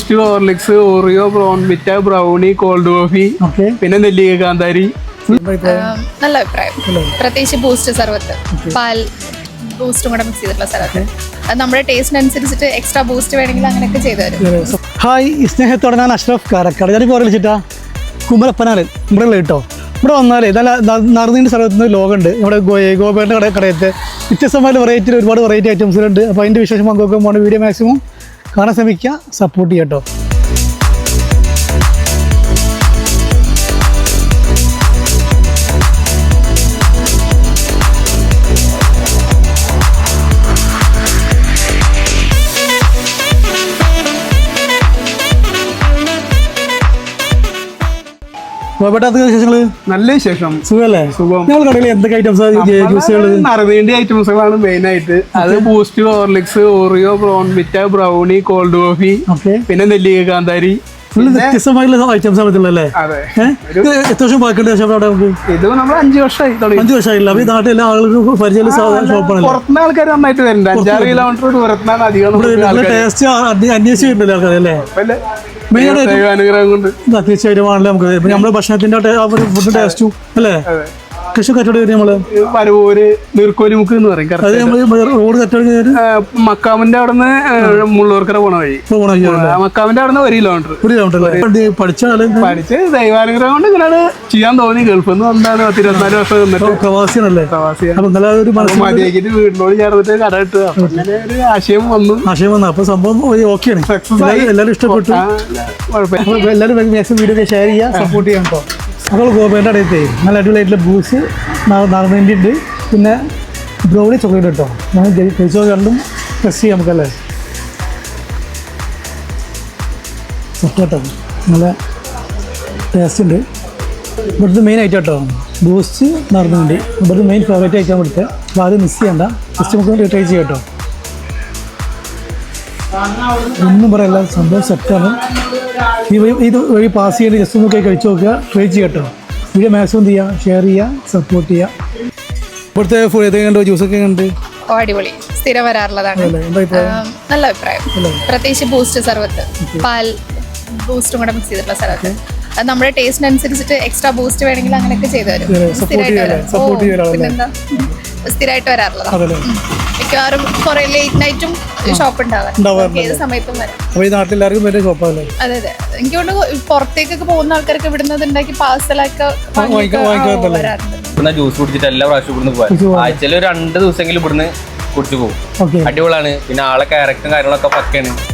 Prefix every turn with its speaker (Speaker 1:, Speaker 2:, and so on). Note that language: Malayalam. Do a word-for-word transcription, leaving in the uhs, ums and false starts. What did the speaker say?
Speaker 1: Boost, Horlicks, Oreo, Bournvita, brownie, cold coffee, പിന്നെ നെല്ലിക്ക കാന്താരി.
Speaker 2: നല്ല അഭിപ്രായം. പ്രത്യേകിച്ച് ബൂസ്റ്റ് സർവത്ത്, പാൽ ബൂസ്റ്റും കൂടെ മിക്സ് ചെയ്തിട്ടുള്ള സർവത്ത്. അത് നമ്മുടെ ടേസ്റ്റിനനുസരിച്ചിട്ട് എക്സ്ട്രാ ബൂസ്റ്റ് വേണമെങ്കിൽ അങ്ങനെയൊക്കെ ചെയ്തു തരും.
Speaker 3: ഹായ്, സ്നേഹത്തോടെ ഞാൻ അഷ്റഫ് കാരക്കാട്. ഞാനിപ്പോൾ വിളിച്ചിട്ടാ കുമരപ്പനാല് ഇവിടെ ഉള്ള കേട്ടോ. ഇവിടെ വന്നാലേ നല്ല നറുനീണ്ട സ്ഥലത്ത് ലോകമുണ്ട്. ഇവിടെ ഗോപേട്ടൻ്റെ കട കടയത്ത് വ്യത്യസ്തമായ വെറൈറ്റിയിൽ ഒരുപാട് വെറൈറ്റി ഐറ്റംസുകളുണ്ട്. അപ്പോൾ അതിൻ്റെ വിശേഷം പങ്കുവെക്കാൻ പോകുന്ന വീഡിയോ മാക്സിമം കാണാൻ ശ്രമിക്കുക, സപ്പോർട്ട് ചെയ്യാം കേട്ടോ.
Speaker 1: നല്ല വിശേഷം,
Speaker 3: സുഖല്ലേ?
Speaker 1: സുഖം.
Speaker 3: ഞങ്ങൾ കടയിൽ എന്തൊക്കെ ഐറ്റംസ്
Speaker 1: നറുനീണ്ട ഐറ്റംസുകളാണ് മെയിൻ ആയിട്ട്. അത് Boost, Horlicks, Oreo, Bournvita, brownie, cold coffee, പിന്നെ നെല്ലിക്ക കാന്താരി.
Speaker 3: വ്യത്യസ്തമായിട്ടുള്ള ഐറ്റംസ് ആണല്ലേ? എത്ര വർഷം ബാക്കിയുണ്ട് അവിടെ? നമുക്ക്
Speaker 1: ഇത് നമ്മൾ അഞ്ചു വർഷമായി
Speaker 3: അഞ്ചു വർഷമായില്ല. അപ്പൊ ഈ നാട്ടിൽ എല്ലാ ആളുകൾക്കും പരിചയമുള്ള ഷോപ്പാണ്.
Speaker 1: പുറത്തുനിന്ന് ആൾക്കാർ നന്നായിട്ട് വരുന്നുണ്ട്. അഞ്ചാറ് കിലോമീറ്റർ ദൂരത്തിനാണ് അധികം
Speaker 3: ടേസ്റ്റ് അന്വേഷിച്ചിട്ടുണ്ടല്ലോ ആൾക്കാരല്ലേ?
Speaker 1: അനുഗ്രഹം കൊണ്ട്
Speaker 3: തീർച്ചയായിട്ടും ആണല്ലോ. നമുക്ക് നമ്മുടെ ഭക്ഷണത്തിന്റെ ഫുഡ് ടേസ്റ്റും അല്ലേ? കൃഷി കച്ചവടം വരും നമ്മള്
Speaker 1: പരവൂര് നീർക്കോലിമുക്ക് എന്ന് പറയും.
Speaker 3: റോഡ് കച്ചവടം
Speaker 1: മക്കാമിന്റെ അവിടെ നിന്ന് മുള്ളൂർക്കര പോണ വഴി. മക്കാമിന്റെ അവിടെ നിന്ന് ഒരു കിലോമീറ്റർ
Speaker 3: ഒരു കിലോമീറ്റർ പഠിച്ച
Speaker 1: പഠിച്ച് ദൈവാനുഗ്രഹം കൊണ്ട് ഇങ്ങനെയാണ് ചെയ്യാൻ തോന്നി. ഗൾഫിൽ നിന്ന് വന്നാണ് പത്ത് ഇരുപത്തിനാല് വർഷം നിന്നിട്ട്
Speaker 3: പ്രവാസിയാണല്ലേ?
Speaker 1: മതിയാക്കിട്ട് വീടിനോട് ചേർന്നിട്ട് കട ഇട്ട് അങ്ങനെ ഒരു ആശയം വന്നു
Speaker 3: ആശയം വന്നു അപ്പൊ സംഭവം ഓക്കെയാണ്. എല്ലാവരും ഇഷ്ടപ്പെട്ടു. എല്ലാവരും മാക്സിമം വീഡിയോ ഷെയർ ചെയ്യുക, സപ്പോർട്ട് ചെയ്യാൻ കേട്ടോ. അപ്പോൾ ഗോപേൻ്റെ അടുത്തേ നല്ല അടിപൊളിയായിട്ടുള്ള ബൂസ് നടന്നതിൻ്റെ ഉണ്ട്. പിന്നെ ബ്രൗണി ചോക്ലേറ്റ് കേട്ടോ. നമ്മൾ കഴിച്ചോ കണ്ടും ടെസ്റ്റ് ചെയ്യാം നമുക്കല്ലേ? കേട്ടോ നല്ല ടേസ്റ്റ് ഉണ്ട്. ഇവിടുത്തെ മെയിൻ ഐറ്റം കേട്ടോ ബൂസ്റ്റ് നടന്നുണ്ട്. ഇവിടുത്തെ മെയിൻ ഫേവറേറ്റ് ഐറ്റം ഇവിടുത്തെ. അപ്പോൾ അത് മിസ് ചെയ്യണ്ട, ജസ്റ്റ് നമുക്ക് ട്രൈ ചെയ്യാം കേട്ടോ. ഒന്നും പറയല്ല, സംഭവം സെറ്റാണ്. ഈ ഇത് വഴി പാസ് ചെയ്യേണ്ടി ജസ്റ്റ് ഒന്ന് കഴിച്ചു നോക്കുക, ട്രൈ ചെയ്യാം കേട്ടോ. വീഡിയോ മാക്സിമം ചെയ്യുക, ഷെയർ ചെയ്യുക, സപ്പോർട്ട് ചെയ്യുക. ഇവിടുത്തെ ഫുഡ് ഏതൊക്കെ കണ്ടോ? ജ്യൂസൊക്കെ ഉണ്ട്.
Speaker 2: അടിപൊളി, സ്ഥിരം വരാറുള്ളതാണ്. നല്ല അഭിപ്രായം. പ്രത്യേകിച്ച് ബൂസ്റ്റ് സർവത്ത്, പാൽ ബൂസ്റ്റും കൂടെ മിക്സ് ചെയ്തിട്ടുള്ള സർവത്ത്. അത് നമ്മുടെ ടേസ്റ്റിനനുസരിച്ചിട്ട് എക്സ്ട്രാ ബൂസ്റ്റ് വേണമെങ്കിൽ അങ്ങനെയൊക്കെ ചെയ്തു തരും. പിന്നെന്താ, സ്ഥിരമായിട്ട് വരാറുള്ളതാണ്. മിക്കവാറും കുറെ ലേറ്റ് നൈറ്റും ഷോപ്പ് ഉണ്ടാവാറുണ്ട്. ഏത് സമയത്തും വരാം. അതെ അതെ. എനിക്ക് കൊണ്ട് പുറത്തേക്കൊക്കെ പോകുന്ന ആൾക്കാർക്ക് ഇവിടുന്ന് ഉണ്ടാക്കി പാഴ്സലൊക്കെ
Speaker 4: വരാറുണ്ട്. ജ്യൂസ് കുടിച്ചിട്ട് എല്ലാ പ്രാവശ്യം ഇവിടുന്ന് പോകാം. ആഴ്ചയിൽ ഒരു രണ്ട് ദിവസമെങ്കിലും ഇവിടുന്ന് കുടിച്ചു പോകും. അടിപൊളിയാണ്. പിന്നെ ആളെ ക്യാരക്ടറും കാര്യങ്ങളൊക്കെ പക്കയാണ്.